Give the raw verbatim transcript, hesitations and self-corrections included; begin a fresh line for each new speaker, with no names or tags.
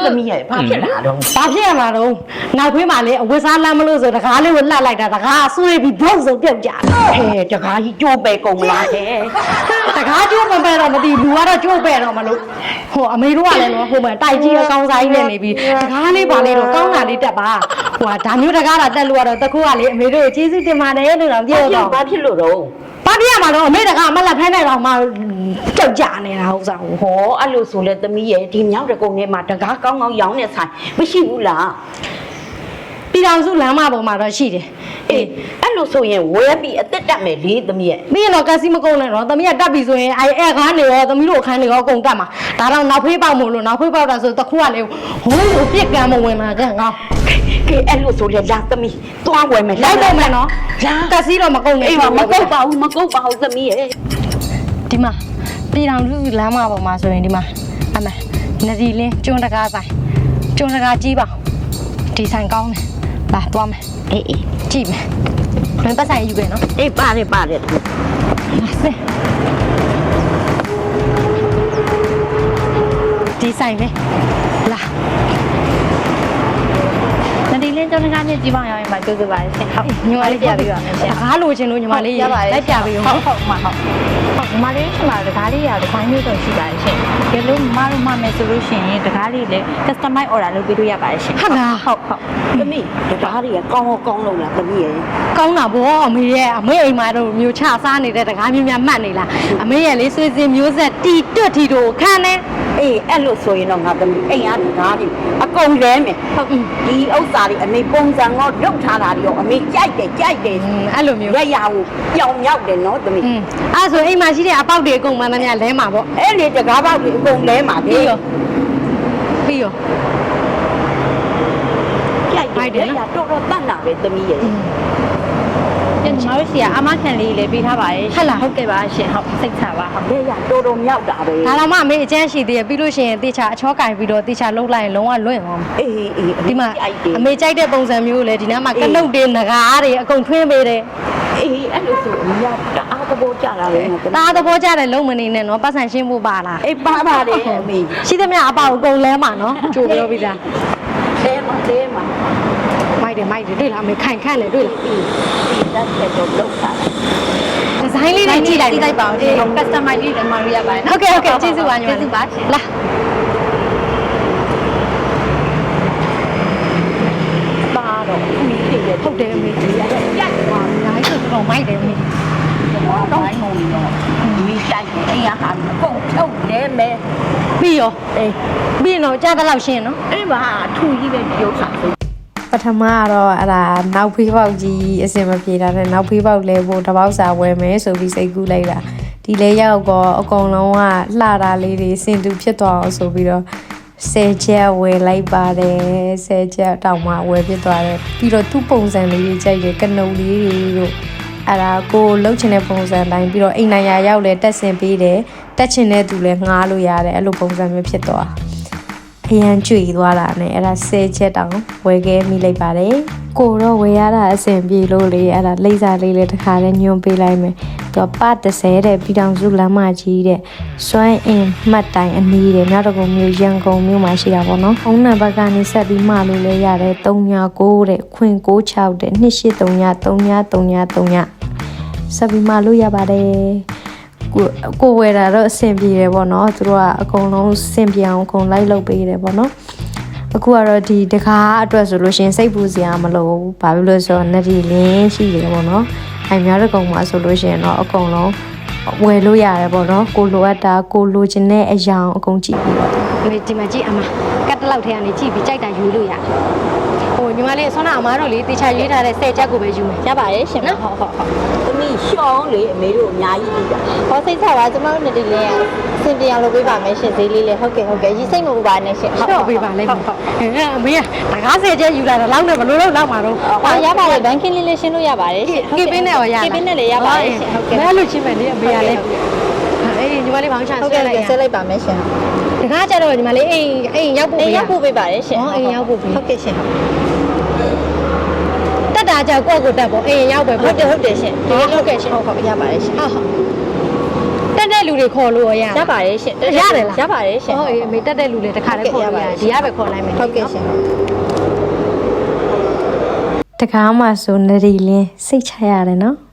သမီးရဲ့ဘာဖြစ်လာတော့
ဘာဖြစ်ရမှာတော့နောက်ဖေးမှာလေအဝတ်စားလမ်းမလို့ဆိုတကားလေးကိုလှက်လိုက်တာတကားဆွေးပြီးဘုတ်ဆုံးပြုတ်ကြ
ဟဲ့တကားကြီးကြိုးပဲကုန်လားဟဲ့
တကားကျိုးမပဲတော့မသိလူကတော့ကျိုးပဲတော့မလို့ဟိုအမေတို့ကလည်းနော်ဟိုမှာတိုက်ကြီးအကောင်းစားကြီးနဲ့နေပြီးတကားလေးပါလေတော့ကောင်းတာလေးတက်ပါဟိုကဒါမျိုးတကားတာတက်လို့ကတော့တခုကလေအမေတို့ကိုကျေးဇူးတင်ပါတယ်လို့တော့ပြောတော့
ဘာဖြစ်လို့တော့
ဘာပြရမှာတော့အမေတကားမလက်ဖဲနိုင်တော့မှကြောက်ကြနေတာဟုတ်စားဟို
ဟောအဲ့လိုဆိုလဲသမီးရဲ့ဒီမြောက်တကုံထဲမှာတကားကောင်းကောင်းရောင်းနေဆိုင်မရှိဘူးလား
ပြည်တော်စုလမ်းမပေါ်မှာတော့ရှိတယ်
အေးအဲ့လိုဆိုရင်ဝဲပြီးအသက်တက်မယ်လေသမီးရဲ့
ပြီးရင်တော့ကက်စီမကုန်နဲ့တော့သမီးကတက်ပြီဆိုရင်အဲအဲကားနေရောသမီးတို့အခန်းနေရောအကုန်တက်မှာဒါတော့နောက်ဖေးပေါက်မို့လို့နောက်ဖေးပေါက်တာဆိုတခုကလေဟိုးကိုပြက်ကမ်းမဝင်မှာကဲငါ
ကဲအဲ့လိုဆိုလဲလာသမီးသွားဝဲမယ်
လိုက်တော့မယ်နော်ကက်စီတော့မကုန်နဲ့
အေးမမကုတ်ပါဘူးမကုတ်ပါဘူးသမီးရဲ့
ဒီမှာပြည်တော်စုလမ်းမပေါ်မှာဆိုရင်ဒီမှာအမေနဒီလင်းကျွန်းတကားဆိုင်ကျွန်းတကားကြီးပါဒီဆိုင်ကောင်းတယ်လာသွားမယ်
အေးအေး
ကြည့်မယ်ဘယ်ပတ်ဆိုင်ယူခဲ့နော်
အေးပါတယ်ပါတယ်
လာစဒီဆိုင်လေလာ
နဒီလင်းကျောင်းကားနဲ့ကြီးပေါင်းရောက်ရင်မှကြိုးစားပါရှင်ဟုတ်
ညီမလေးပြပေးပါမယ်ရှင်ကားလိုချင်လို့ညီမလေးလိုက်ပြပေးဦး
ဟုတ်ဟုတ်မှဟုတ်ဟုတ်ညီမလေးရှင်မှာတကားလေးရတကားမျိုးစုံရှိပါတယ်ရှင်ဒီလိုမမတို့မှမယ်ဆိုလို့ရှိရင်တကားလေးလည်း customize order လုပ်ပေးလို့ရပါတယ်ရှင်
ဟုတ်လား
ဟုတ်ဟုတ်
သမီးတကားတွေကကောင်းကောင်းလို့လားသမီးရဲ့
ကောင်းတာဗောအမေရဲ့အမေအိမ်မှာတော့မျိုးချစားနေတဲ့တကားမျိုးများမှတ်နေလားအမေရဲ့လေးဆွေးစင်မျိုးဆက်တီတွတ်ထီတို့ခံနေ
အေးအဲ့လိုဆိုရင်တော့ငါသမီးအိမ်အားတကားတွေအကုန်လဲမယ်ဟုတ်ဒီဥစ္စာတွေအမေပုံစံငေါလုတ်ထားတာတွေရောအမေကြိုက်တယ်ကြိုက်တယ်
အဲ့လိုမျိုး
ရရကိုပြောင်မြောက်တယ်နော်သမီး
อืมအဲ့ဆိုအိမ်မှာရှိတဲ့အပေါက်တွေအကုန်မှန်းသမျှလဲမှာဗော
အဲ့လေတကားပေါက်တွေအကုန်လဲမှာ
ပြီးရောပြီးရော
ကြိုက်တယ်ရတော်တော်တတ်တာပဲသမီးရဲ့
ညီမတို့စီကအမခံလေးလည်းပေးထားပါတယ်ဟုတ်ကဲ့ပါရှင်ဟုတ်စိတ်ချပါဟုတ်
ရရတော်တော်မြောက်တာပဲ
ဒါတော့မှအမေအကျန်းရှိသေးရပြီးလို့ရှိရင်တေချာအချောကင်ပြီးတော့တေချာလှုပ်လိုက်ရင်လုံးဝလွင့်သွားမှာ
အေးအေး
ဒီမှာ
ကြိုက်တယ်
အမေကြိုက်တဲ့ပုံစံမျိုးလေဒီနားမှာကလုတ်တွေငကားတွေအကုန်ထွင်းပေးတယ်
အေးအဲ့လိုဆိုအမြောက်တအားသဘောကျတာပဲငါသမီး
ตาသဘောကျတဲ့လုံးမနေနဲ့နော်ပတ်စံရှင်းဖို့ပါလား
အေးပါပါတယ်အမေ
ရှိသမျှအပေါက်အကုန်လဲမှာနော်ကြိုပြောပြီးသား
လဲမှာလဲမှာ
မိုက်တယ်မိုက်တယ်တွေ့လားအမေခိုင်ခန့်လေတွေ့လား
အေးဒီတက်တဲ့တော့လောက်တာ
ဒီဇိုင်းလေးတွေကြည့်လိုက်
ကြည့်လိုက်ပါဦးရှင် customize လေးလည်းမလို့ရပါတယ်
ဟုတ်ကဲ့ဟုတ်ကဲ့ကျေးဇူးပါညီမ
ကျေးဇူးပါရှင်
လာ
ပါတော့အမေတွေရဲ့
ဟုတ်တယ်အမေကြီး
ရိုက်သွား
ညာကြီးဆိုတော့မိုက်တယ်အမေ
တော့တော့ငုံတော့မိတိုက်တယ်အိမ်ကဟာကုန်ဖြုတ်လဲမယ်
ပြီးရော
အေး
ပြီးရင်တော့ကြားတဲ့လောက်ရှင်းနော်
အေးပါထူကြီးပဲဒီဥစ္စာ
ပထမကတော့အဲ့ဒါနောက်ဖေးပေါက်ကြီးအစင်မပြေတာနဲ့နောက်ဖေးပေါက်လဲဖို့တပေါက်စာဝယ်မယ်ဆိုပြီးစိတ်ကူးလိုက်တာဒီလဲရောက်တော့အကုန်လုံးကလှတာလေးတွေစင်တူဖြစ်သွားအောင်ဆိုပြီးတော့ဆယ်ချက်ဝယ်လိုက်ပါတယ်ဆယ်ချက်တောင်မှဝယ်ဖြစ်သွားတယ်ပြီးတော့သူ့ပုံစံလေးတွေကြိုက်တယ်ကနုံလေးတွေတို့အဲ့ဒါကိုလှုပ်ချင်တဲ့ပုံစံတိုင်းပြီးတော့အိမ်နိုင်ရာရောက်လဲတက်ဆင်ပေးတယ်တက်ချင်တဲ့သူလဲငှားလို့ရတယ်အဲ့လိုပုံစံမျိုးဖြစ်သွားအရန်ကြွေသွားတာနဲ့အဲ့ဒါဆယ်ချက်တောင်ဝယ်ခဲ့မိလိုက်ပါတယ်ကိုတော့ဝယ်ရတာအဆင်ပြေလို့လေအဲ့ဒါလိမ့်စာလေးလေးတစ်ခါလေးညွှန်ပေးလိုက်မယ်သူကပတ်တစ်ဆယ်တဲ့ပြည်တော်စုလမ်းမကြီးတဲ့စွမ်းအင်မှတ်တိုင်အနီးတဲ့မြောက်တကုံမြို့ရန်ကုန်မြို့မှာရှိတာပေါ့နော်ဖုန်းနံပါတ်ကနေဆက်ပြီးမှလို့လည်းရတယ်၃ည၉တဲ့ခွင်၉၆တဲ့၂၈၃ည၃ည၃ည၃ညဆက်ပြီးမှလို့ရပါတယ်ကိုကိုဝယ်တာတော့အဆင်ပြေတယ်ပေါ့နော်သူတို့ကအကုန်လုံးအဆင်ပြေအောင်အကုန်လိုက်လုပ်ပေးတယ်ပေါ့နော်အခုကတော့ဒီတကားအတွက်ဆိုလို့ရှင်စိတ်ပူစရာမလိုဘူးဘာဖြစ်လို့ဆိုတော့နဒီလင်းရှိတယ်ပေါ့နော်အိမ်များတကုံမှာဆိုလို့ရှင်တော့အကုန်လုံးဝယ်လို့ရတယ်ပေါ့နော်ကိုလိုအပ်တာကိုလိုချင်တဲ့အရာအကုန်ကြည့်ပြီးတော့
အမေဒီမှာကြည့်အမကတ်တလောက်ထဲကနေကြည့်ပြီးကြိုက်တာယူလို့ရတယ်ဟိုညီမလေးဆွမ်းနာအမားတို့လေတေချာရွေးထားတဲ့ဆယ်ချက်ကိုပဲယူမယ်
ရပါတယ်ရှင်ဟုတ်ဟုတ်ဟုတ်
သမီးရှောင်းလေအမေတို့အများကြီးပြီးတာ
ဟောစိတ်ချပါကျွန်တော်တို့နဒီလင်းကစင်ပြန်လုပ်ပေးပါမယ်ရှင်ဈေးလေးလေးဟုတ်ကဲ့ဟုတ်ကဲ့ရီစိတ်မပူပါနဲ့ရှင်
ဟုတ်ပေးပါလိမ့်မယ်ဟုတ်အဲအမေကတကားဆယ်ချက်ယူလာတာလောက်နဲ့ဘလို့လို့လောက်မှာတော့
ဟောရပါတယ်ဘန်ကင်းလေးလေးရှင်းလို့ရပါတယ်ရှင်
ကေပင်းနဲ့ရောရ
ကေပင်းနဲ့လည်းရပါတယ်ရှင်ဟုတ်ကဲ့
မဲလို့ချင်းမယ်လေအမေကလည်းအေးညီမလေးဘောင်းချ
ဟုတ်
ဆွဲ
ကဲ့
လိုက်ရ
ဆက်လိုက်ပါမယ်ရှင်
တကားကြတော့ညီမလေးအိမ်အိမ်ရောက်ဖို့
အေး
ပေးရ
ရောက်ပို့ပေးပါတယ်ရှင်
ဟောအိမ်ရောက်ဖို့ပေး
ဟုတ်ကဲ့ရှင်
တက်တာကြောက်ကိုယ့်ကိုတက်ပေါ့အိမ်ရောက်ပဲ
ဟုတ်တယ်ဟုတ်တယ်ရှင်ဟုတ်ကဲ့ရှင်ဟုတ်ဟုတ်ရပါတယ်ရှင်
ဟုတ်ဟုတ်တက်တဲ့လူတွေခေါ်လို့ရရ
ရပါတယ်ရှင်
ရတယ်လား
ရပါတယ်ရှင်
ဟုတ်အေးအမေတက်တဲ့လူတွေတခါတည်းခေါ်လို့ရတယ်ဒီကပဲခေါ်လိုက်မယ်
ဟုတ်ကဲ့ရှင်
တကားမှဆိုနရီလင်းစိတ်ချရတယ်နော်